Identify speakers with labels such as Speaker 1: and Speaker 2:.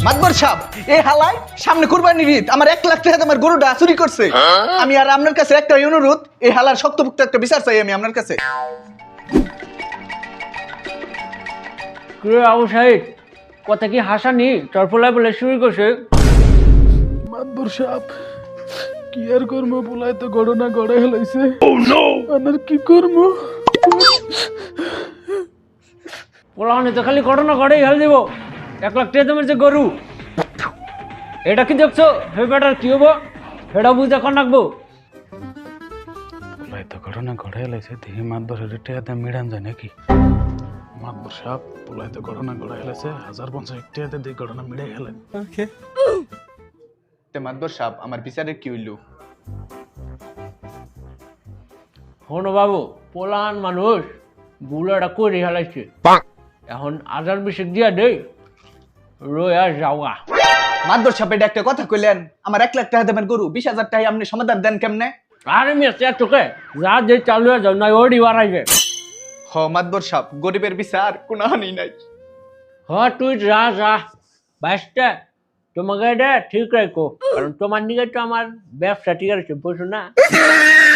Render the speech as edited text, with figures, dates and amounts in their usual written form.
Speaker 1: মাতবর সাহেব, এই হালায় সামনে কুরবানির ঈদ, আমার 1 লাখ টাকা আমার গরুটা চুরি করছে। আমি আর আপনার কাছে একটা অনুরোধ, এই হালার শক্তপোক্ত একটা বিচার চাই আমি আপনার কাছে।
Speaker 2: আবু সাহিদ কথা কি হাসানি তোর পোলাই বলে শুরু করছে?
Speaker 3: মাতবর সাহেব কি আর করবো, পোলাই তো ঘটনা গড়ে হেলাইছে। আর কি করবো?
Speaker 2: পোলাহানি তো খালি ঘটনা ঘটেই হেল দিব। 1 লাখ টাকা দামের যে গরু, এটা কি দেখছো? হে বেটার কি হবো সেটা বুঝে এখন রাখবো।
Speaker 3: পোলাই তো ঘটনা গড়ে হেলাইছে, দেখি মাতবরের টেয়াতে মিড়ান যায় নাকি। মাতবর সাহেব পোলাই তো ঘটনা গড়ে হেলাইছে, 1050 টেয়াতে দিয়ে ঘটনা মিড়ে হেলেন।
Speaker 1: মাতবর সাহেব, আমার বিচারের কি হইল?
Speaker 2: হনো বাবু, পোলাহান মানুষ বুলাটা করে হেলাইছে, এখন আজার বিশেষ দিয়া দেই রয়া যাওয়া।
Speaker 1: মাতবর সাহেব, এটা একটা কথা কইলেন, আমার 1 লাখ টাকা দেবেন গরু, 20,000 টাকা আপনি সমাধান দেন কেমনে?
Speaker 2: আরে মেয়ে তোকে যা যে চালু হয়ে যাও না ওডি বাড়াইবে।
Speaker 1: হ মাতবর সাহেব, গরিবের বিচার কোনো হানি নাই।
Speaker 2: হ তুই যা যা বাইশটা তোমাকে এটা ঠিক রাখো, কারণ তোমার নিকে তো আমার ব্যবসা ঠিক আছে বুঝছো না।